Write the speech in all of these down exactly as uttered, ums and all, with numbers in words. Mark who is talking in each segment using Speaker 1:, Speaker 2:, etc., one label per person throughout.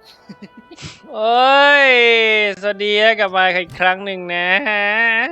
Speaker 1: โอ้ยสวัสดีกลับมาอีกครั้งหนึ่งนะฮะ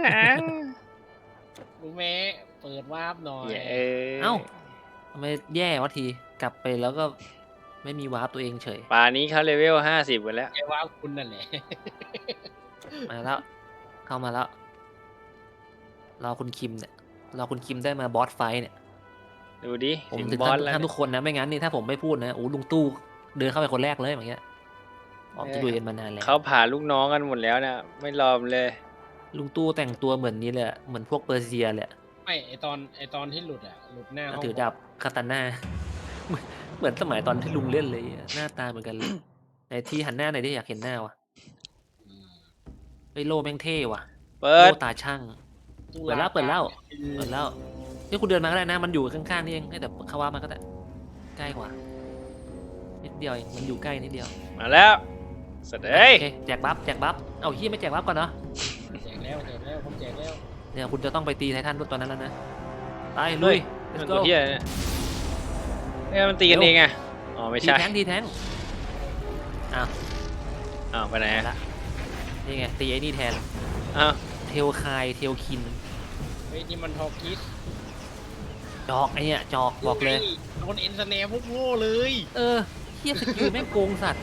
Speaker 2: ลุงแม่เปิดวาร์ปหน่อย
Speaker 3: เอ้าทำไมแย่วะทีกลับไปแล้วก็ไม่มีวาร์ปตัวเองเฉย
Speaker 1: ป่านี้เขาเลเวลห้าสิบกันแล้ว
Speaker 2: แกวาร์ปคุณนั่นแหละ
Speaker 3: มาแล้วเข้ามาแล้วรอคุณคิมเนี่ยรอคุณคิมได้มาบอสไฟเนี่ย
Speaker 1: ดูดิ
Speaker 3: ผมถึงท่านท่านทุกคนนะไม่งั้นนี่ถ้าผมไม่พูดนะโอ้ลุงตู้เดินเข้าไปคนแรกเลยอย่างเงี้ยออกจะดูเย็นมานานแล้ว
Speaker 1: เขาผ่าลูกน้องกันหมดแล้วนะไม่รอมเลย
Speaker 3: ลุงตู้แต่งตัวเหมือนนี้เลยเหมือนพวกเปอร์เซียเลย
Speaker 2: ไม่ไอตอนไอตอนที่หลุดอ่ะหลุดหน้า
Speaker 3: ถือดาบคาตาน่าเหมือนสมัยตอนที่ลุงเล่นเลยหน้าตาเหมือนกันเลยในที่หันหน้าไหนที่อยากเห็นหน้าวะไอโลแม่งเท่ว่ะ
Speaker 1: เปิด
Speaker 3: โลตาช่างเปิดแล้วเปิดแล้วเปิดแล้วที่คุณเดินมาก็ได้นะมันอยู่ข้างๆนี่เองแต่เขาว่ามันก็ได้ใกล้กว่านิดเดียวเองมันอยู่ใกล้นิดเดียว
Speaker 1: มาแล้วสเตย์
Speaker 3: แจกบัฟแจกบัฟเอาที่ไม่แจกบัฟก่อนเนาะ
Speaker 2: แจกแล้วแจกแล้วผมแจกแล้ว
Speaker 3: เนี่ยคุณจะต้องไปตีไททันตัวนั้นแล้วนะไปลุย
Speaker 1: มันตัวเฮียเนี่ยเนี่ยมันตีกันเองไงอ๋อไม่ใช่
Speaker 3: ทีแทงทีแทงอ้าว
Speaker 1: อ้าวไปไหน
Speaker 3: ละนี่ไงตีไอ้นี่แทน
Speaker 1: อ้าว
Speaker 3: เทลคายเทลคิน
Speaker 2: เฮ้ยนี่มันทอคิส
Speaker 3: จอกไอ้เนี่ยจอกบอกเลย
Speaker 2: โดนเอ็นสแนปพวกโง่เลย
Speaker 3: เออเฮียสกิลแม่งโกงสัตว์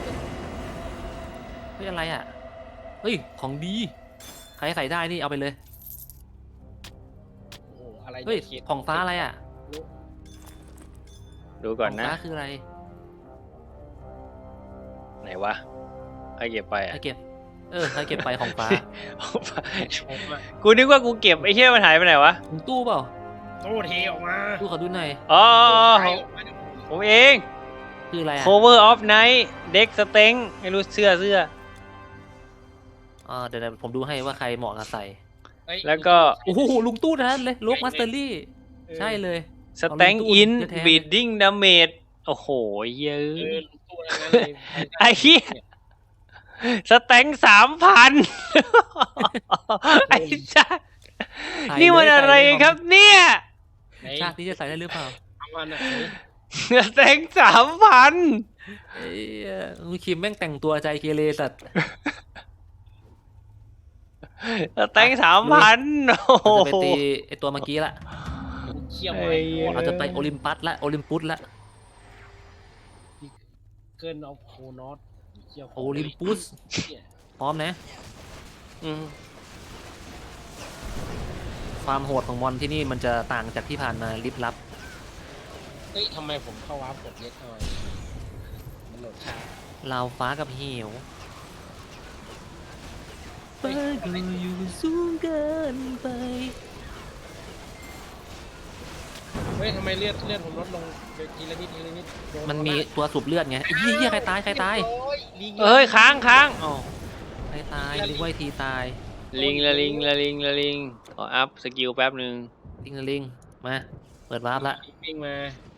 Speaker 3: เฮ้ยอะไรอ่ะเฮ้ยของดีใครใส่ได้นี่เอาไปเลย
Speaker 2: โอ้อะไร
Speaker 3: เฮ้ยของฟ้าอะไรอ่ะ
Speaker 1: ดูก่อนนะ
Speaker 3: ฟ้าคืออะไร
Speaker 1: ไหนวะใครเก็บไปอ่ะ
Speaker 3: ใครเก็บเออใครเก็บไปของฟ้า
Speaker 1: กูนึกว่ากูเก็บไอ้เหี้ยมันหายไปไหนวะ
Speaker 3: ถุงตู้เปล่า
Speaker 2: ตู้เทออกมา
Speaker 3: ตู้ขอดูหน่อย
Speaker 1: อ๋อผมเอง
Speaker 3: คืออะไรอ่ะ
Speaker 1: cover of night deck strength ไม่รู้เสื้อเสื้อ
Speaker 3: อ่าเดี๋ยวผมดูให้ว่าใครเหมาะกับใส่
Speaker 1: แล้วก็
Speaker 3: โอ้โหลุงตู้นั้นเลยลูกมาสเตอรี่ใช่เลย
Speaker 1: strength in bleeding damage โอ้โหเยอะไอ้เหี้ยสแต็งสามพันไอ้จ้านี่มันอะไรครับเนี่ย
Speaker 3: ชาตินี้จะใส่ได้หรือเปล่า
Speaker 1: สแต็งสามพัน
Speaker 3: ไอ้ลุงคิมแม่งแต่งตัวใจเกเรสัตว์
Speaker 1: สแต็งสามพันโอ้โห
Speaker 3: จะไปตีไอตัวเมื่อกี้ละเราจะไปโอลิมปัสละโอลิมปุสละ
Speaker 2: เกินเอาโคนอส
Speaker 3: โอลิมปุสพร้อมนะความโหดของมอนที่นี่มันจะต่างจากที่ผ่านมาลิบลับ
Speaker 2: เฮ้ยทำไมผมเข้าวาร์ปกดเล็กหน่อยมันโหลดช้า
Speaker 3: ลาวฟ้ากับเหวฟ้าก็อยู่สูงเกินไป
Speaker 2: เฮ้ยทำไมเลือดเลือดผมลดลงทีละนิดทีละนิด
Speaker 3: มันมีตัวสูบเลือดไงไอ้เหี้ยใครตายใครตาย
Speaker 1: เฮ้ยค้างค้างอ๋อ
Speaker 3: ใครตายลิงไว้ทีตาย
Speaker 1: ลิงละลิงละลิงละลิงขออัพสกิลแป๊บหนึ่ง
Speaker 3: ลิงละลิงมาเปิดวาร์ปละ
Speaker 2: ลิงมา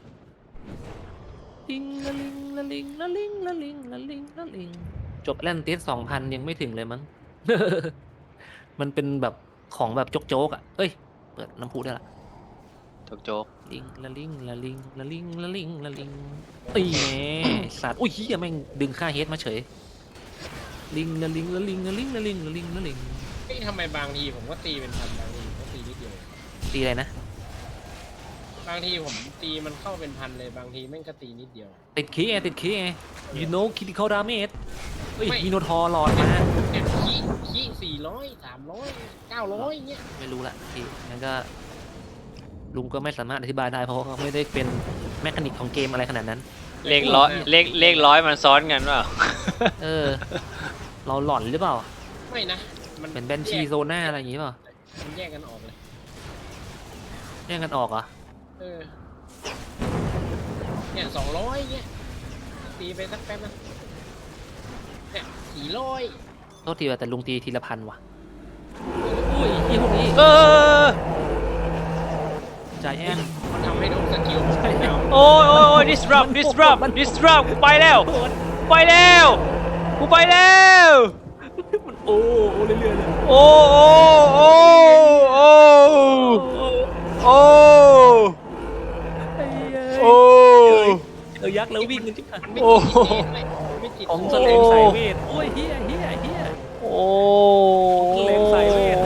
Speaker 3: ลิงละลิงละลิงละลิงละลิงละลิงละลิงจบแลนติสสองพันยังไม่ถึงเลยมั้งมันเป็นแบบของแบบโจ๊กๆอ่ะเอ้ยเปิดน้ำพุได้ละ
Speaker 1: โจ๊ก
Speaker 3: ลิงละลิงละลิงละลิงละลิงละลิงตีแง่สัตว์อุ้ยเฮียแม่งดึงค่าเฮดมาเฉยลิงละลิงละลิงละลิงละลิงละลิงละลิง
Speaker 2: เฮ้ยทำไมบางทีผมก็ตีเป็นพันบางทีก็ตีนิดเดียว
Speaker 3: ตีอะไรนะ
Speaker 2: บางทีผมตีมันเข้าเป็นพันเลยบางทีแม่งก็ตีนิดเดียว
Speaker 3: ติดคีไงติดคีไง you know critical damage เฮ้ยมีโนทอร์หลอดมา
Speaker 2: เนี่ยคีคีสี่ร้อยสามร้อยเก้าร้อยเงี้ย
Speaker 3: ไม่รู้ละทีงั้นก็ลุงก็ไม่สามารถอธิบายได้เพราะเขาไม่ได้เป็นแมคานิกของเกมอะไรขนาดนั้น
Speaker 1: เลขร้อยเลขเลขร้อยมันซ้อนกันเปล่า
Speaker 3: เออเราหล่อนหรือเปล่า
Speaker 2: ไม่นะ
Speaker 3: มันเป็นแบนชีโซน่าอะไรอย่างงี้เปล่า
Speaker 2: มันแยกกันออกเลย
Speaker 3: แยกกันออกเหรอ
Speaker 2: เออเนี่ยสองร้อยเงี้ยตีไปสักแป๊บนะเนี่ยสี่ร้อย
Speaker 3: โทษทีว่าแต่ลุงตีทีละพันว่ะอุ้ยยี่พวกนี้
Speaker 1: เออ
Speaker 3: ใจแอน
Speaker 2: มันทำให้โดนสกิล
Speaker 1: โอ้ยโอ้ยโอ้ย disrupt disrupt disrupt กูไปแล้วไปแล้วกูไปแล้ว
Speaker 3: โอ้โอ้เรื่อยๆเลย
Speaker 1: โอ้โอ้โอ้โอ้โอ้โอ้
Speaker 3: เออยักษ์แล้ววิ่งกันจิ๊บ
Speaker 1: โอ้
Speaker 2: ไม่จิต
Speaker 3: ของ
Speaker 2: โ
Speaker 3: แสลงสายเวทโอ้ยเฮียเฮียเฮีย
Speaker 1: โอ้
Speaker 3: เล่นสายเวท
Speaker 1: โอ้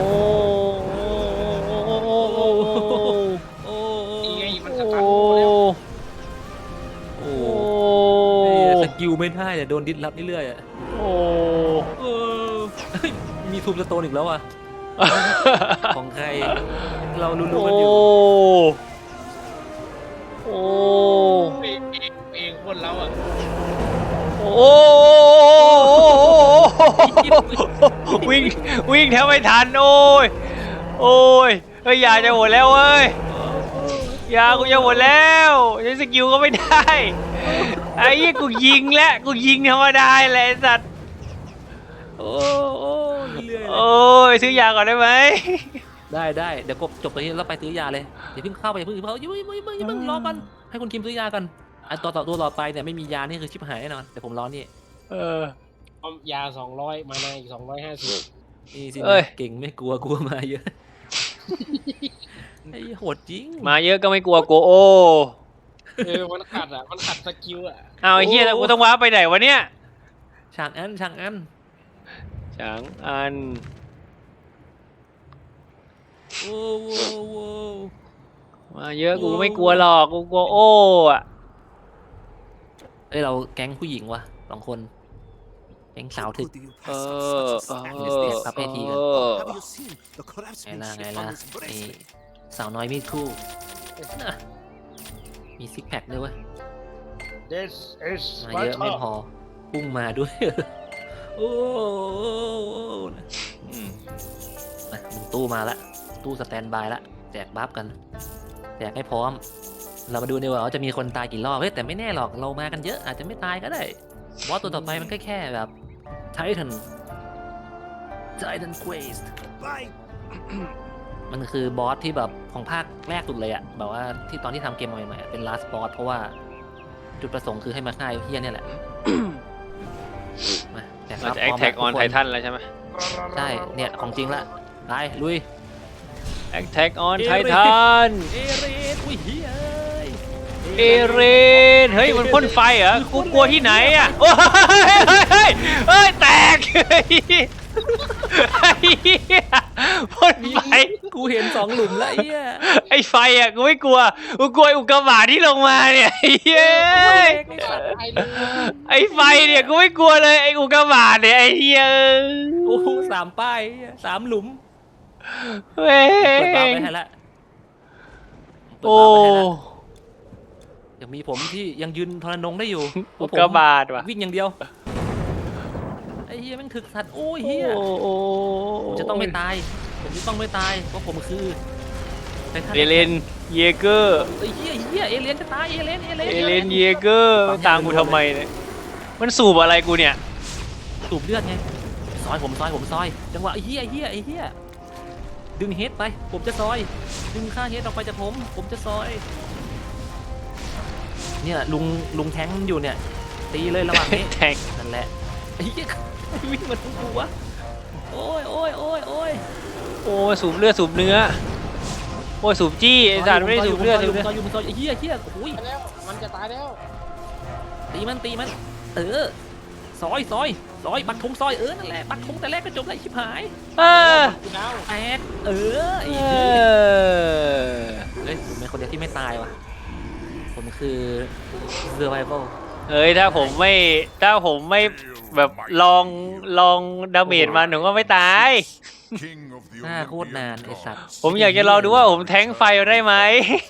Speaker 3: โอ้
Speaker 2: นี่ไงมันส
Speaker 1: โอ้
Speaker 2: ตันกูแล้ว
Speaker 3: โอ้
Speaker 1: โอ้
Speaker 3: เฮ้ยสกิลไม่ได้อะโดนดิสรับเรื่อยๆอะ
Speaker 1: โอ้
Speaker 3: เออเฮ้ยมีทูมสโตนอีกแล้วอ่ะ ของใคร เรารู้ๆกันอยู่
Speaker 1: โอ้
Speaker 2: เองเองเองคนเราอ่ะ
Speaker 1: โอ้วิ่งวิ่งแทบไม่ทันโอ้ยโอ้ยเฮ้ยยาจะหมดแล้วเว้ยยากูจะหมดแล้วใช้สกิลก็ไม่ได้ไอ้ยี่กูยิงแล้วกูยิงธรรมดาแหละไอ้สัตว์
Speaker 3: โอ้โอ้เรื่อยๆเลย
Speaker 1: โอ้ยซื้อยาก่อนได้ไหม
Speaker 3: ได้ได้เดี๋ยวกบจบตัวนี้แล้วไปซื้อยาเลยเดี๋ยวเพิ่งเข้าไปอย่าเพิ่งอย่าเพิ่งอย่าเพิ่งอย่าเพิ่งอย่าเพิ่งรอกันให้คุณคิมซื้อยากันไอ้ตัวต่อตัวต่อไปเนี่ยไม่มียานี่คือชิบหายแน่นอนแต่ผมรอนี่
Speaker 1: เออ
Speaker 2: เอายาสองร้อยมาในอีกสองร้อยห้าสิบ
Speaker 3: นี่สิ
Speaker 1: เอ้ย
Speaker 3: เก่งไม่กลัวกลัวมาเยอะ ไอ้โหดจริง
Speaker 1: มาเยอะก็ไม่กลัวโกโอ
Speaker 2: เออมันขัดอ่ะมันขัดสกิลอ่ะ
Speaker 1: เอาไอ้เฮียแล้วกูต้องว้าไปไหนวะเนี่ย
Speaker 3: ช่างอันช่างอัน
Speaker 1: ฉางอัน
Speaker 3: โอ้โหโว้
Speaker 1: มาเยอะกูไม่กลัวหรอกกูกลัวโอ้อะ
Speaker 3: เอ้ยเราแก๊งผู้หญิงวะสองคนแก๊งสาวถึก
Speaker 1: เออเออ
Speaker 3: เดี๋ยวเสียครับให้ทีกัน
Speaker 1: เออ
Speaker 3: ไงล่ะไงล่ะนี่สาวน้อยมีดคู่น่ะมีซิกแพคด้วยเว้ย
Speaker 2: เดสเอส
Speaker 3: มาเยอะไม่พอพุ่งมาด้วย โอ้โห
Speaker 1: อืม
Speaker 3: มามึงตู้มาละตู้สแตนบายละแจกบัฟกันแจกให้พร้อม เรามาดูดีกว่าว่าจะมีคนตายกี่รอบเฮ้ยแต่ไม่แน่หรอกเรามากันเยอะอาจจะไม่ตายก็ได้บอสตัวต่อไปมันก็แค่แบบไททันไททันเควสมันคือบอสที่แบบของภาคแรกสุดเลยอะแบบว่าที่ตอนที่ทำเกมมาใหม่ๆอะเป็น last boss เพราะว่าจุดประสงค์คือให้มาฆ่าไอ้เฮียเนี่ยแหละ มาแจก
Speaker 1: เรา
Speaker 3: บัฟ
Speaker 1: จะ
Speaker 3: พร้อม
Speaker 1: Attack
Speaker 3: ทุก
Speaker 1: on
Speaker 3: คน
Speaker 1: Titan แล้วใช่ไหม
Speaker 3: ใช่เนี่ยของจริงละไปลุย
Speaker 1: Attack on Titan
Speaker 3: เอเรนอุ้ยเฮ้ย
Speaker 1: เอเรนเฮ้ยมันพ่นไฟเหรอกูกลัวที่ไหนอ่ะโอ้ยเฮ้ยเฮ้ยแตกไอ้เหี้ยพ่นไฟ
Speaker 3: กูเห็นสองหลุมแล้วไอ้เหี้ย
Speaker 1: ไอ้ไฟอ่ะกูไม่กลัวกูกลัวไอ้อุกกาบาตที่ลงมาเนี่ยไอ้เฮ้ย
Speaker 2: ไม่ขัดไปเลย
Speaker 1: ไอ้ไฟเนี่ยกูไม่กลัวเลยไอ้อุกกาบาตเนี่ยไอ้เหี้ย
Speaker 3: โอ้โหสามป้ายสามหลุม
Speaker 1: เว้ย
Speaker 3: เปิดบาร์ไปให้ละเปิด
Speaker 1: โอ้
Speaker 3: บาร์ไปให้ละยังมีผมที่ยังยืนทรนงได้อยู่
Speaker 1: อุกกาบาตว่ะ
Speaker 3: วิ่งอย่างเดียวไอ้เฮียแม่งถึกสัตว์โอ้ยเฮีย
Speaker 1: โอ้โอ้
Speaker 3: ผมจะต้องไม่ตายผมจะต้องไม่ตายเพราะผมคือไททัน
Speaker 1: เอเลนเยเกอร์
Speaker 3: ไอ้เฮียเฮียเอเลียนจะตายเอเลนเอเลน
Speaker 1: เอเลนเยเกอร์ตามกูทำไมเนี่ยมันสูบอะไรกูเนี่ย
Speaker 3: สูบเลือดไงซอยผมซอยผมซอยจังหวะไอ้เฮียไอ้เฮียไอ้เฮียดึงเฮดไปผมจะซอยดึงค่าเฮดออกไปจากผมผมจะซอยเนี่ยลุงลุงแท้งอยู่เนี่ยตีเลยระหว่างนี้
Speaker 1: แทง
Speaker 3: นั่นแหละไอ้เหี้ยวิ่งมาทุกกูวะโอ้ยโอ้ยโอ้ยโอ้ย
Speaker 1: โอ้ยสูบเลือดสูบเนื้อโอ้ยสูบจี้ไอ้สัตว์ไม่ได้สูบเลือดสูบเนื้อ
Speaker 3: ซอยอยู่ซอยอยู่ไอ้เหี้ยเหี้ยโอ้ย
Speaker 2: ตายแล้วมันจะตายแล้ว
Speaker 3: ตีมันตีมันเออซอยซอยซอยปักธงซอยเออนั่นแหละปักธงแต่แรกก็จบเลยชิบหาย
Speaker 1: เออ
Speaker 2: กูดาว
Speaker 3: แตกเออไอ้
Speaker 1: เอ
Speaker 3: เหี้ย
Speaker 1: อ
Speaker 3: เฮ้ยผมเป็นคนเดียวที่ไม่ตายว่ะผมคือ survival
Speaker 1: เฮ้ยถ้าผมไม่ถ้าผมไม่แบบลองลองดาเมจมันผมก็ไม่ตาย
Speaker 3: หน้าโคตรนานไอ้สัตว์
Speaker 1: ผมอยากจะลองดูว่าผมแทงไฟได้ไหม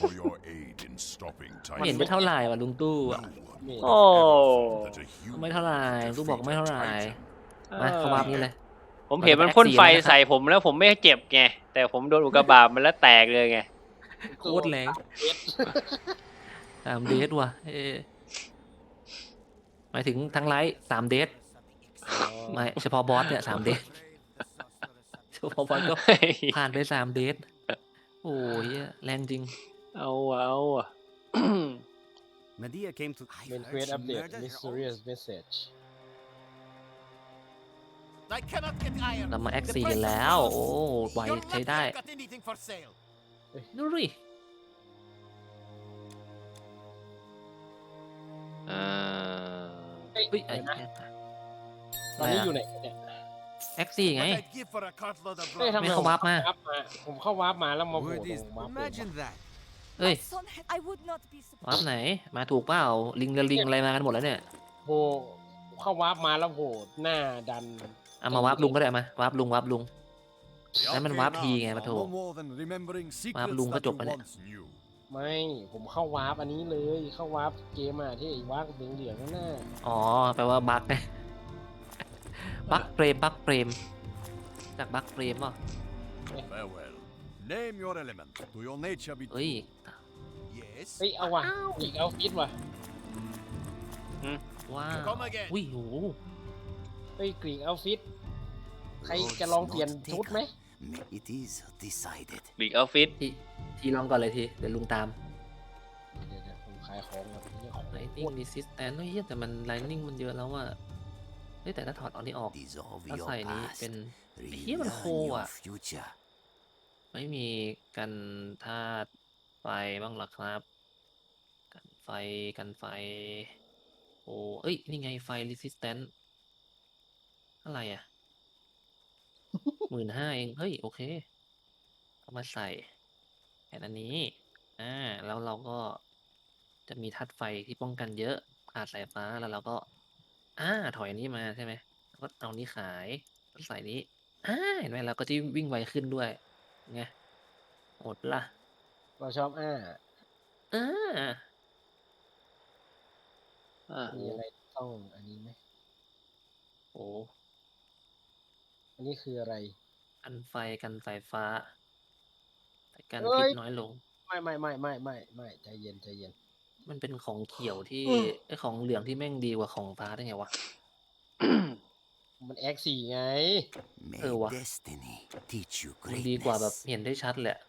Speaker 3: ไม่เห็นไม่เท่าไหร่ว่ะลุงตู้อะ
Speaker 1: โอ้
Speaker 3: ไม่เท่าไหร่ตู้บอกไม่เท่าไหร่มาเข้ามานี่เลย
Speaker 1: ผมเห็นมันพ่นไฟใส่ผมแล้วผมไม่เจ็บไงแต่ผมโดนอุกกาบาตมันแล้วแตกเลยไง
Speaker 3: โคตรแรงสามเดทว่ะเออหมายถึงทั้งไลฟ์สามเดทไม่เฉพาะบอสเนี่ยสามเดทเฉพาะบอสก็ผ่านไปสามเดทโอ้ยแรงจริง
Speaker 1: เอาอะเอาอะ
Speaker 4: Medea came to
Speaker 2: เป็นเควสอัปเดต mysterious message
Speaker 4: I cannot get iron.
Speaker 3: เรามาแอคซีกันแล้ว โอ้ไว
Speaker 4: Your
Speaker 3: ใช้ได้
Speaker 4: network got anything for sale.
Speaker 3: ดูดิ
Speaker 1: อ่า
Speaker 2: เฮ้ย
Speaker 3: เฮ้ย
Speaker 2: เดี๋
Speaker 3: ไอ้
Speaker 2: ยวนะตอนนี้อยู่ไหนเนี่ย
Speaker 3: แอ็กซี่ไง
Speaker 4: What I'd give for a cartload of
Speaker 2: เฮ้ย
Speaker 4: rock.
Speaker 2: ทำไม
Speaker 3: ไม่เข้าวาร์ปมา
Speaker 2: ผมเข้าวาร์ปมาผมเข้าวาร์ปมาแล้วมาโผล่
Speaker 4: Word
Speaker 2: ตร
Speaker 4: is,
Speaker 2: งวาร์ป
Speaker 4: imagine that.
Speaker 3: เอ้ย
Speaker 5: Son, I would not be
Speaker 3: วาร์ป
Speaker 5: surprised.
Speaker 3: ไหนมาถูกเปล่าลิงและลิงอะไรมากันหมดแล้วเนี่ย
Speaker 2: โผล่เข้าวาร์ปมาแล้วโผล่หน้าดัน
Speaker 3: เอามาวาร์ปลุงก็ได้มาวาร์ปลุงวาร์ปลุง Đấy, mình
Speaker 4: Okay,
Speaker 3: wáp
Speaker 4: now,
Speaker 3: thì nghe mà
Speaker 4: are
Speaker 3: thua.
Speaker 4: no more than remembering secrets
Speaker 3: luôn có
Speaker 4: that
Speaker 3: chụp
Speaker 4: you
Speaker 3: rồi nè.
Speaker 4: once knew.
Speaker 2: ไม่ผมเข้าวาร์ปอันนี้เลยเข้าวาร์ปเกมอ่ะที่ไอ้วาร์ปเหลืองๆนั่นน่ะ
Speaker 3: อ๋อแปลว่าบั๊กไงบั๊กเฟรมบั๊กเฟรมจากบั๊กเฟรมป่ะ
Speaker 4: Farewell. Name your element. Do your nature be
Speaker 3: เอ้ย
Speaker 4: Yes.
Speaker 2: เฮ้ยเอาว่ะอีกเอาฟิตว่ะ
Speaker 3: ว้าว
Speaker 4: Come again.
Speaker 3: อุ้ยโห
Speaker 2: เฮ้ยกรีกเอาฟิตใครจะลองเปลี่ยนชุดไหม
Speaker 6: It is decided.
Speaker 1: บิกออฟฟิศ
Speaker 3: ทีทีลองก่อนเลยทีเดี๋ยวลุงตาม
Speaker 2: เดี๋ยวๆผมขายของกับนี่ของ
Speaker 3: ไลนิ่งรีสิสแตนเฮ้ยแต่มันไลนิ่งมันเยอะแล้วอ่ะเฮ้ยแต่ถ้าถอดเอานี้ออก
Speaker 6: Dissolve
Speaker 3: ถ้า
Speaker 6: your
Speaker 3: ใส่นี้
Speaker 6: past.
Speaker 3: เป็น เหี้ยมันโค
Speaker 6: Relearn
Speaker 3: อ่ะ
Speaker 6: your future.
Speaker 3: ไม่มีกันธาตุไฟบ้างหรอครับ กันไฟกันไฟ โอ้เอ้ย นี่ไงไฟ resistant อะไรอ่ะ หมื่นห้าเอง เฮ้ย โอเค เอามาใส่แอนอันนี้ อ่า แล้วเราก็จะมีธาตุไฟที่ป้องกันเยอะขาดสายฟ้าแล้วเราก็ อ่า ถอยอันนี้มาใช่ไหมแล้วก็เอานี้ขายแล้วใส่นี้ อ่า เห็นไหมเราก็จะวิ่งไวขึ้นด้วยไงโหดปะล่ะ
Speaker 2: เราชอบอ้า
Speaker 3: อ่า
Speaker 1: อ่า
Speaker 2: มีอะไรต้องอันนี้ไหม
Speaker 3: โอ้
Speaker 2: อันนี้คืออะไร
Speaker 3: กันไฟกันสายฟ้าแต่กัน
Speaker 2: เอ้
Speaker 3: พิษ
Speaker 2: ย
Speaker 3: น้อยลง
Speaker 2: ไม่ไม่ไม่ไม่ไม่ไม่ใจเย็นใจเย็น
Speaker 3: มันเป็นของเขียวที่ไอของเหลืองที่แม่งดีกว่าของฟ้าได้ไงวะ
Speaker 2: มันแอคสี่ไง
Speaker 6: May
Speaker 3: Ừ, wow.
Speaker 6: destiny teach you
Speaker 3: มันดีกว่าแบบ
Speaker 6: greatness.
Speaker 3: เห็นได้ชัดเลยอะ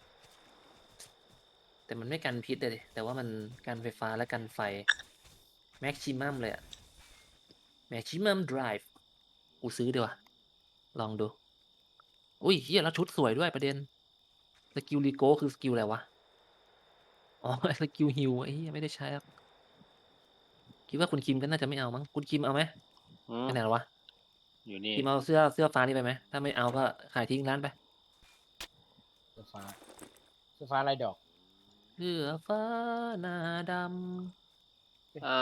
Speaker 3: แต่มันไม่กันพิษเลยดิแต่ว่ามันกันไฟฟ้าและกันไฟ แม็กซิมัมเลยอะแม็กซิมัมไดรฟ์กูซื้อดีกว่าลองดู อุ้ยเฮียแล้วชุดสวยด้วยประเด็น สกิลรีโก้คือสกิลอะไรวะ อ๋อ สกิลฮิวไอ้เหี้ยไม่ได้ใช้หรอกคิดว่าคุณคิมก็น่าจะไม่เอามั้ง คุณคิมเอาไหม
Speaker 1: อืม
Speaker 3: ไปไหนหรอวะ
Speaker 1: อยู่นี่
Speaker 3: คิมเอาเสื้อเสื้อฟ้านี่ไปไหม ถ้าไม่เอาก็ขายทิ้งร้านไป
Speaker 2: เสื้อฟ้าเสื้อฟ้าลายดอก
Speaker 3: เสื้อฟ้าหน้าด
Speaker 1: อ่า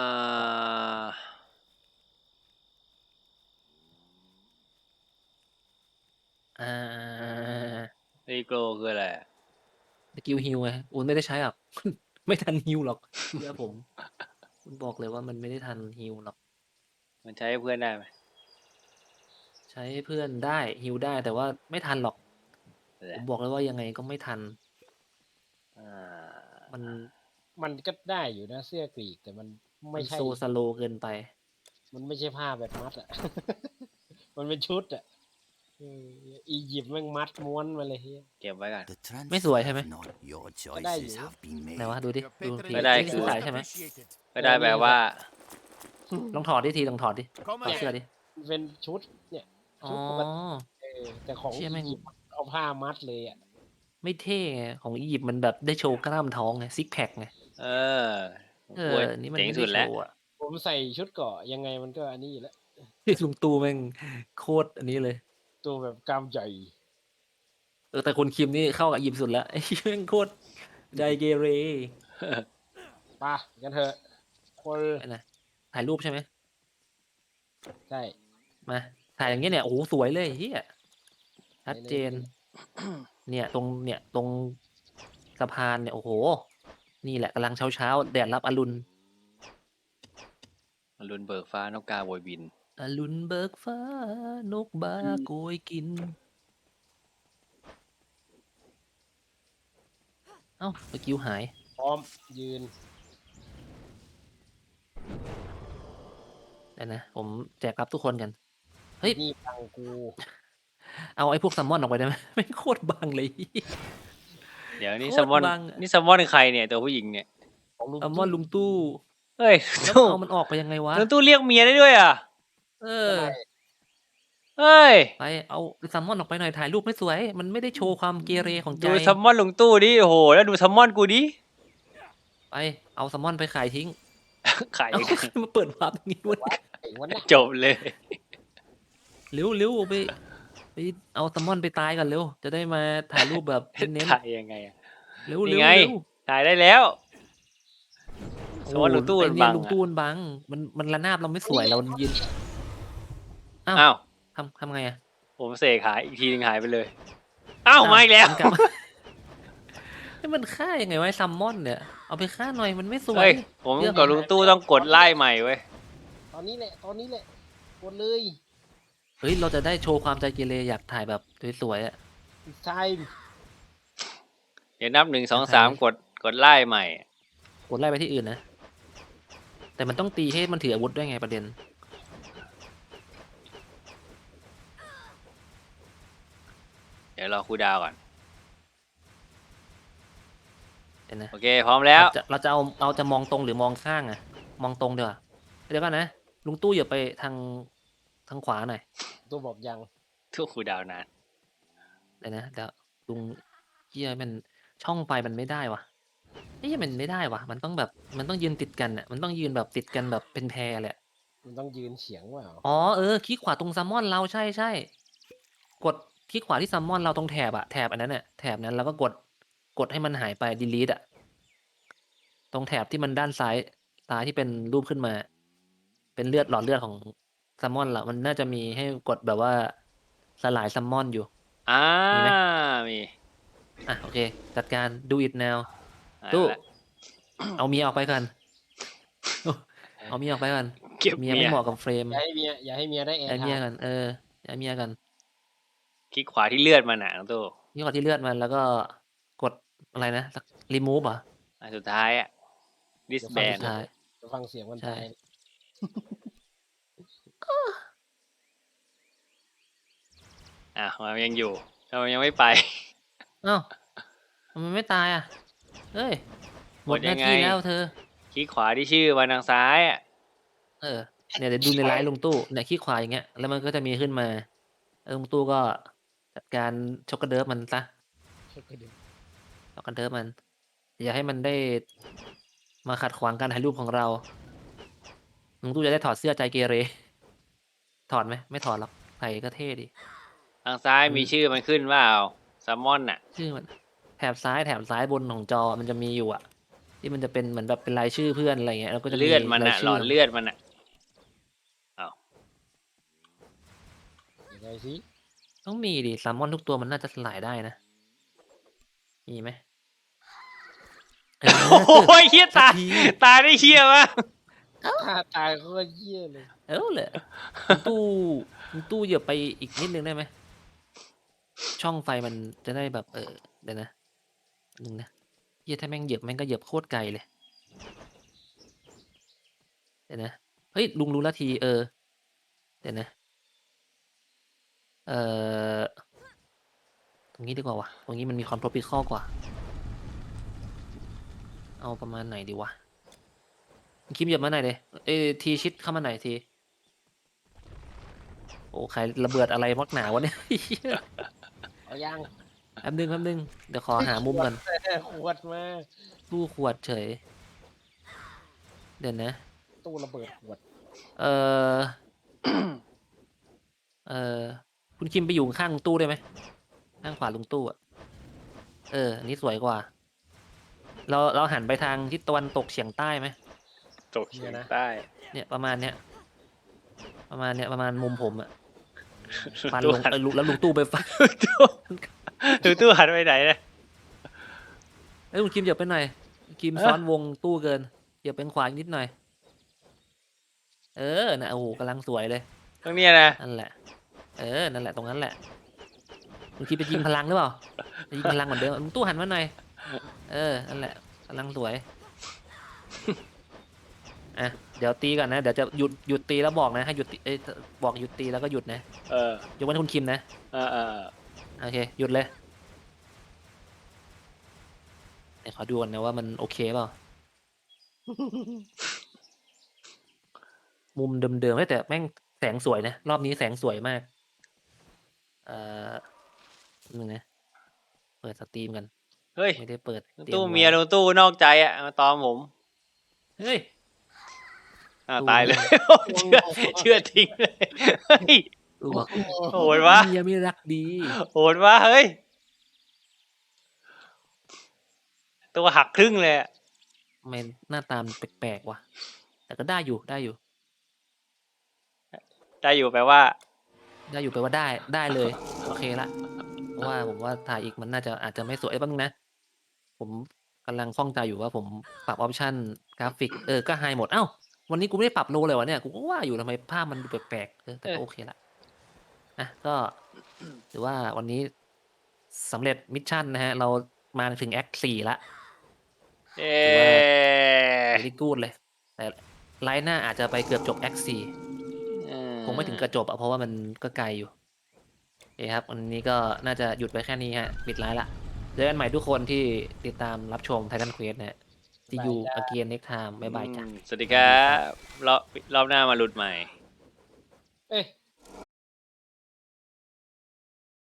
Speaker 3: ำอ่า
Speaker 1: รีโกลคืออะไร
Speaker 3: สกิลฮิวไงอุ่นไม่ได้ใช้หรอก ไม่ทันฮิวหรอกเชื่อผม คุณบอกเลยว่ามันไม่ได้ทันฮิวหรอก
Speaker 1: มันใช้ให้เพื่อนได้ไหม
Speaker 3: ใช้เพื่อนได้ฮิวได้แต่ว่าไม่ทันหรอก
Speaker 1: แห
Speaker 3: ผ
Speaker 1: ละ
Speaker 3: มบอกเลยว่ายังไงก็ไม่ทัน
Speaker 1: อ่า
Speaker 3: มัน
Speaker 2: มันก็ได้อยู่นะเสื้อกรีกแต่มัน
Speaker 3: มั
Speaker 2: ไม่
Speaker 3: น
Speaker 2: ใช่
Speaker 3: โซสโลเกินไป
Speaker 2: มันไม่ใช่ผ้าแบบมัดอ่ะ มันเป็นชุดอ่ะเอออียิปต์แม่งมัดม้วนมาเลยเฮีย
Speaker 1: เก็บไว้ก่อน
Speaker 6: The transfer
Speaker 3: Mấy sủi hay mấy?
Speaker 6: of not your
Speaker 2: đây
Speaker 6: choices
Speaker 2: gì?
Speaker 6: have been
Speaker 3: ไหน
Speaker 6: made.
Speaker 3: วะดูดิ
Speaker 4: Your
Speaker 3: ดู
Speaker 4: patronage
Speaker 3: ที
Speaker 1: ไม่ได้
Speaker 3: นี่
Speaker 1: คื
Speaker 3: คือ
Speaker 1: อ
Speaker 3: ใส่ใช่ไหม
Speaker 4: appreciated.
Speaker 1: ไม่ได้แปลว่า
Speaker 3: ลองถอดดิทีลองถอดดิ
Speaker 4: Come
Speaker 3: ถอดเสื้อ
Speaker 4: again.
Speaker 3: ดิ
Speaker 2: มันเป็นชุดเนี่ย
Speaker 3: อ๋อ
Speaker 2: ชุดปกติเออแต่ของ
Speaker 3: เชี่ยแม่ง
Speaker 2: อียิปต์เอาผ้ามัดเลยอ่ะ
Speaker 3: ไม่เท่ไงของอียิปต์มันแบบได้โชว์กล้ามท้องไงซิกแพคไง
Speaker 1: เออ
Speaker 3: เอ
Speaker 1: ป่ว
Speaker 3: อย นี่มัน
Speaker 1: เจ๋ง
Speaker 3: ไม่
Speaker 1: สุ
Speaker 3: ได้
Speaker 1: ด
Speaker 3: โช
Speaker 1: แล้ว
Speaker 3: ว์อะ
Speaker 2: ผมใส่ชุดเกราะยังไงมันก็อันนี้อยู่แล้ว
Speaker 3: ที่ลุงตู่แม่งโคตรอันนี้เลย
Speaker 2: ตัวแบบกล้ามใหญ่
Speaker 3: เออแต่คนคิมนี่เข้ากับอียิปต์สุดแล้วไอ้ แม่งโคตรไดเกเร
Speaker 2: ไป่ะกันเถอะคน
Speaker 3: ไปไหนถ่ายรูปใช่ไหม
Speaker 2: ใช่
Speaker 3: มาถ่ายอย่างเงี้ยเนี่ยโอ้โหสวยเลยเฮียชัดเจน เนี่ยตรงเนี่ยตรงสะพานเนี่ยโอ้โห นี่แหละกำลังเช้าเช้าๆแดดรับอรุณ
Speaker 1: อรุณเบิกฟ้านกกาโวยบิน
Speaker 3: อรุณเบิกฟ้านกบาโกยกิน เอ้าสกิลหาย
Speaker 2: พร้อมยืน
Speaker 3: เดี๋ยวนะ ผมแจกรับทุกคนกัน เฮ้ย
Speaker 2: นี่ตังกู
Speaker 3: เอาไอ้พวกแซัมมอนออกไปได้ไหม ไม่งโคตรบางเลย
Speaker 1: เดี๋ยวนี่
Speaker 3: โค
Speaker 1: แซ
Speaker 3: ตร
Speaker 1: มมอน
Speaker 3: บังอะ
Speaker 1: นี่แซมมอนใครเนี่ยตัวผู้หญิงเนี่ย
Speaker 2: ของลุง
Speaker 3: แซัมมอนลุงตู้
Speaker 1: เฮ้ย
Speaker 3: แล้ว
Speaker 1: ตู้
Speaker 3: เอามันออกไปยังไงวะ
Speaker 1: ลุงตู้เรียกเมียได้ด้วยอ่ะ
Speaker 3: เออ
Speaker 1: เฮ้ย
Speaker 3: ไปเอาแซัมมอนออกไปหน่อยถ่ายรูปไม่สวย มันไม่ได้โชว์ความเกเรของใจ
Speaker 1: ดูแซมมอนลุงตู้ดิโอ้โหแล้วดูแซมมอนกูดิ
Speaker 3: ไปเอาแซัมมอนไปขายทิ้ง
Speaker 1: ขาย
Speaker 3: เอา มาเปิดวาร์ปตรงนี้วะ
Speaker 2: ไอ้วันน่ะ
Speaker 1: จบเลย
Speaker 3: เร็วเร็วไปไปเอาแซลมอนไปตายก่อนเร็วจะได้มาถ่ายรูปแบบเน้น
Speaker 1: ถ่ายยังไงอะ
Speaker 3: ๆเร็ว
Speaker 1: นี่
Speaker 3: เร็ว
Speaker 1: ไง
Speaker 3: เร็ว
Speaker 1: ถ่ายได้แล้ว
Speaker 3: โอ้
Speaker 1: สมมติลุงตู้
Speaker 3: ไอ
Speaker 1: มัน
Speaker 3: เนี่ย
Speaker 1: บัง
Speaker 3: ลุง
Speaker 1: อะ
Speaker 3: ตู้มันบังมันมันระนาบเราไม่สวยเรายืนอ้าว
Speaker 1: อ้าว
Speaker 3: ทำทำไงอะ
Speaker 1: ผมเสกหายอีกทีนึงหายไปเลย อ้าวมาอีกแล้ว
Speaker 3: มันกลับมา ให้มันฆ่ายังไงวะไอ้แซัมมอนเนี่ยเอาไปฆ่าหน่อยมันไม่สวย
Speaker 1: เฮ้ย ผม
Speaker 3: เลือก
Speaker 1: กับลุงตู้ต้องกดไล่ใหม่เว้ย
Speaker 2: ตอนนี้แหละ ตอนนี้แหละกดเลย
Speaker 3: เฮ้ยเราจะได้โชว์ความใจเกเรอยากถ่ายแบบสวยๆอะ
Speaker 2: ใช่
Speaker 1: เดี๋ยวนับหนึ่งสอง
Speaker 3: โอเค
Speaker 1: สามกดกดไล่ใหม่
Speaker 3: กดไล่ไปที่อื่นนะแต่มันต้องตีให้มันถืออาวุธด้วยไงประเด็น
Speaker 1: เดี๋ยวรอครูดาวก่อน
Speaker 3: เห็นนะ
Speaker 1: โอเค พร้อมแล้ว
Speaker 3: เราจะเราจะเอาเราจะมองตรงหรือมองข้างอะมองตรงเดี๋ยวาเดี๋ยวก่อนนะลุงตู้อย่าไปทางทางขวาหน่อย
Speaker 2: ตัวบอกยัง
Speaker 1: ทุกครูดาวนาน
Speaker 3: เดี๋ยวนะเดี๋ยวลุงเฮียมันช่องไฟมันไม่ได้วะเฮ้ยมันไม่ได้วะมันต้องแบบมันต้องยืนติดกันอะมันต้องยืนแบบติดกันแบบเป็นแพรเลยอะ
Speaker 2: มันต้องยืนเฉียงเปล่า
Speaker 3: อ๋อเออคลิกขวาตรงแซลมอนเราใช่ใช่กดคลิกขวาที่แซลมอนเราตรงแถบอะแถบอันนั้นอะแถบนั้นแล้วก็กดกดให้มันหายไป delete อะตรงแถบที่มันด้านซ้ายซ้ายที่เป็นรูปขึ้นมา เป็นเลือดหลอดเลือดของแซลมอนละมันน่าจะมีให้กดแบบว่าสลายแซลมอนอยู่
Speaker 1: อ่า
Speaker 3: มีไหม
Speaker 1: มี
Speaker 3: อ่ะโอเค จัดการ do it now
Speaker 1: หาย
Speaker 3: ตู้
Speaker 1: ไปละ
Speaker 3: เอาเมียออกไปก่อน เอาเมียออกไปก่อน
Speaker 1: เก็บ
Speaker 3: เมีย
Speaker 1: เมี
Speaker 3: ไม่
Speaker 1: ย
Speaker 3: เหมาะกับเฟรม
Speaker 2: อย่าให้เมียอย่าให้เมียได้แอ
Speaker 3: ย้าย
Speaker 2: ร์
Speaker 3: เมีย
Speaker 2: ไท
Speaker 3: ก่อ
Speaker 2: ม์
Speaker 3: นเออย้ายเมียก่อน
Speaker 1: คลิกขวาที่เลือดมันหนังตู้
Speaker 3: นี่กดที่เลือดมันแล้วก็กดอะไรนะ remove เหรอ
Speaker 1: อันสุดท้ายอะ
Speaker 3: อัน
Speaker 1: disband
Speaker 3: สุดท้าย
Speaker 2: จะฟังเสียงมัน
Speaker 3: ใช่
Speaker 2: ตาย
Speaker 1: อ่ะมันยังอยู่ทำไมยังไม่ไป
Speaker 3: เอ้าทำไมไม่ตายอ่ะ เฮ้ย หมด
Speaker 1: หมด
Speaker 3: ห
Speaker 1: ยั
Speaker 3: น้าง
Speaker 1: ไง
Speaker 3: ที่แล้วเธอ
Speaker 1: คลิกขวาที่ชื่อมันทางซ้ายอะ
Speaker 3: เออ เนี่ยเดี๋ยวดูในไลน์ลุงตู้เนี่ยคลิกขวาอย่างเงี้ย แล้วมันก็จะมีขึ้นมาแล้วลุงตู้ก็จัดการช็อกโกเดิร์ฟมันซะช็อกโกเดิร์ฟมัน อย่าให้มันได้มาขัดขวางการถ่ายรูปของเราลุงตู้จะได้ถอดเสื้อใจเกเร ถอดไหม ไม่ถอดหรอก ใส่ก็เท่ดี
Speaker 1: ทางซ้าย
Speaker 3: อืม
Speaker 1: มีชื่อมันขึ้นว่าเอาแซลมอนน่ะ
Speaker 3: ชื่อมันแถบซ้ายแถบซ้ายบนของจอมันจะมีอยู่อะที่มันจะเป็นเหมือนแบบเป็นรายชื่อเพื่อนอะไรเงี้ยแล้วก็จะมี
Speaker 1: เลือดมัน
Speaker 3: ราย
Speaker 1: น่ะหล
Speaker 3: ชื่
Speaker 1: อดเลือดมันน่ะ
Speaker 2: ยังไงสิ
Speaker 3: ต้องมีดิแซลมอนทุกตัวมันน่าจะสลายได้นะ มีไหมเออ
Speaker 1: โอ้ยเฮีย
Speaker 3: สั
Speaker 1: ตาก ย
Speaker 3: ที
Speaker 1: ตายได้เฮียมาก
Speaker 2: ถ้าตายก็เยี่ยเลย
Speaker 3: เออเลยคุณตู้คุณตู้เหยียบไปอีกนิดนึงได้ไหมช่องไฟมันจะได้แบบเออเดี๋ยวนะหนึ่งนะเฮียถ้าแม่งเหยียบแม่งก็เหยียบโคตรไกลเลยเดี๋ยวนะเฮ้ยลุงรู้ละทีเออเดี๋ยวนะ เอ่อ ตรงนี้ดีกว่าวะตรงนี้มันมีความโทรปิคอลกว่า เอาประมาณไหนดีวะคิมเหยียบมาไหนอยเลยเอยทีชิดเข้ามาไหนอยที โอ้ใครระเบิดอะไรมักหนาวะเนี่ย
Speaker 2: เอายัง
Speaker 3: แป๊บนึงแป๊บนึง เดี๋ยวขอหามุมก่อน
Speaker 2: ขวดมา
Speaker 3: ตู้ขวดเฉย เดี๋ยวนะ
Speaker 2: ตู้ระเบิดขวด
Speaker 3: เออ เออ คุณคิมไปอยู่ข้างลุงตู้ได้ไหมข้างขวาลุงตู้อ่ะ เออ อันนี้สวยกว่า เราเราหันไปทางทิศตะวันตกเฉียงใต้ไหม
Speaker 1: ตกเฉียงใต้
Speaker 3: เนี่ยประมาณเนี้ย ประมาณเนี้ยประมาณมุมผมอะฟัน
Speaker 1: ตู้
Speaker 3: ลง
Speaker 1: หัน
Speaker 3: เออลุแล้วลุงตู้ไปฟัน
Speaker 1: ตู้ตู้ตู้หันไปไหนเนี่ย
Speaker 3: เอ้ยคุณคิมเหยียบไปหน่อยคิม
Speaker 1: เอ้อ
Speaker 3: ซ้อนวงตู้เกินเหยียบเป็นขวาอีกนิดหน่อย เออนะโอ้โหกำลังสวยเลย
Speaker 1: ตรงเนี้ยนะ
Speaker 3: นั่นแหละ เออ นั่นแหละตรงนั้นแหละคุณคิมไปยิงพลังหรือเปล่าไปยิงพลังเหมือนเดิมลุงตู้หันมาหน่อย เออ นั่นแหละกำลังสวย อ่ะ เดี๋ยวตีก่อนนะ เดี๋ยวจะหยุดหยุดตีแล้วบอกนะ ให้หยุดตีเอ้ยบอกหยุดตีแล้วก็หยุดนะ
Speaker 1: เออย
Speaker 3: กเว้นคุณคิมนะ
Speaker 1: เออเออ
Speaker 3: โอเค หยุดเลยเดี๋ยวขอดูก่อนนะว่ามันโอเคเปล่า มุมเดิมๆเฮ้ยแต่แม่งแสงสวยนะ รอบนี้แสงสวยมาก เอ่อหนึ่งนะ เปิดสตรีมกัน
Speaker 1: เฮ้ย
Speaker 3: ไม่ได้เปิด
Speaker 1: ลุง
Speaker 3: ตรี
Speaker 1: ตู้
Speaker 3: ไว้
Speaker 1: เมียลุงตู้นอกใจอ่ะมาตอมผม
Speaker 3: เฮ้ย
Speaker 1: อ่า
Speaker 3: ตู้
Speaker 1: ตายเลย
Speaker 3: เมีย
Speaker 1: เชื่อเชื่อทิ้งเลยเฮ้ย
Speaker 3: ดูบอก
Speaker 1: โหดวะ
Speaker 3: เมียไม่รักดี
Speaker 1: โหดวะเฮ้ย ตัวหักครึ่งเลยอะ
Speaker 3: ทำไมหน้าตามนแปลกๆวะแต่ก็ได้อยู่ได้อยู่
Speaker 1: ได้อยู่แปลว่า
Speaker 3: ได้อยู่แปลว่าได้ได้เลยโอเคละเพราะว่าผมว่าถ่ายอีกมันน่าจะอาจจะไม่สวยบ้างนะ ผมกำลังข้องใจอยู่ว่าผมปรับออปชั่นกราฟิกเออก็ไฮหมดเอ้าวันนี้กูไม่ได้ปรับโลเลยวะเนี่ยกูก็ว่าอยู่ทำไมภาพมันดูแปลกๆเออแต่ก็โอเคละอ่ะก็ถือว่าวันนี้สำเร็จมิชชั่นนะฮะ เรามาถึงแอคสี่ละ
Speaker 1: เอ๊
Speaker 3: ถือว่า
Speaker 1: ะ
Speaker 3: เวลี่กูดเลย แต่ไลน์หน้าอาจจะไปเกือบจบแอคสี่คงไม่ถึงกระจบอะเพราะว่ามันก็ไกลอยู่โอเคครับวันนี้ก็น่าจะหยุดไว้แค่นี้ฮะปิดไลน์ละเจอกันใหม่ทุกคนที่ติดตามรับชม Titan Quest นะฮะ See you again next time บ๊ายบายจ้ะ
Speaker 1: สวัสดีครับรอบรอบหน้ามาลุ้นใหม่
Speaker 2: เอ้ย